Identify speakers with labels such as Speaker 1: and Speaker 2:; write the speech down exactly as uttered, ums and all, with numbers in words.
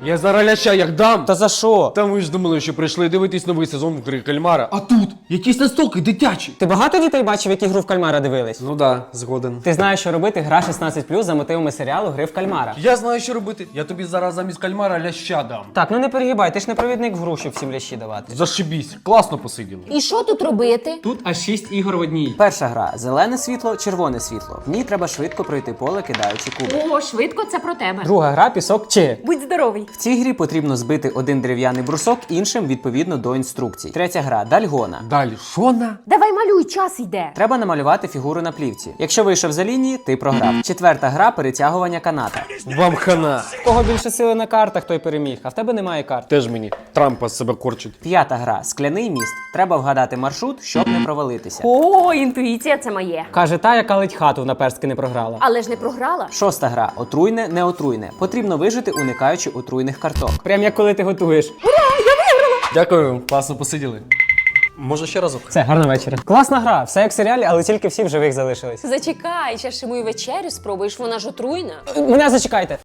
Speaker 1: Я зараз ляща як дам.
Speaker 2: Та за що?
Speaker 1: Та ви ж думали, що прийшли дивитись новий сезон «Гри кальмара». А тут якісь настолки дитячі.
Speaker 2: Ти багато дітей бачив, які гру в кальмара дивились?
Speaker 1: Ну да, згоден.
Speaker 2: Ти знаєш, що робити гра шістнадцять плюс за мотивами серіалу «Гри в кальмара».
Speaker 1: Я знаю, що робити. Я тобі зараз замість кальмара ляща дам.
Speaker 2: Так, ну не перегибай, ти ж не провідник в гру, щоб всім лящі давати.
Speaker 1: Зашибісь. Класно посиділи.
Speaker 3: І що тут робити?
Speaker 2: Тут аж шість ігор в одній. Перша гра – зелене світло, червоне світло. В ній треба швидко пройти поле, кидаючи куби.
Speaker 3: О, швидко, це про тебе.
Speaker 2: Друга гра – пісок чи.
Speaker 3: Будь здоровий.
Speaker 2: В цій грі потрібно збити один дерев'яний брусок іншим відповідно до інструкцій. Третя гра – дальгона.
Speaker 1: Далі, що на?
Speaker 3: Давай малюй, час йде.
Speaker 2: Треба намалювати фігуру на плівці. Якщо вийшов за лінії, ти програв. Четверта гра – перетягування каната.
Speaker 1: Вам хана.
Speaker 2: У кого більше сили на картах, той переміг, а в тебе немає карт.
Speaker 1: Теж мені Трампа з себе корчить.
Speaker 2: П'ята гра – скляний міст. Треба вгадати маршрут, щоб не провалитися.
Speaker 3: О, інтуїція це моє.
Speaker 2: Каже та, яка ледь хату в наперстки не програла.
Speaker 3: Але ж не програла.
Speaker 2: Шоста гра – отруйне, не отруйне. Потрібно вижити, уникаючи отруйних карток. Прям як коли ти готуєш.
Speaker 1: Дякую, класно посиділи. Може ще разок?
Speaker 2: Все, гарного вечора. Класна гра, все як в серіалі, але тільки всі в живих залишились.
Speaker 3: Зачекай, ще ж і мою вечерю спробуєш, вона ж отруйна.
Speaker 2: Мене зачекайте.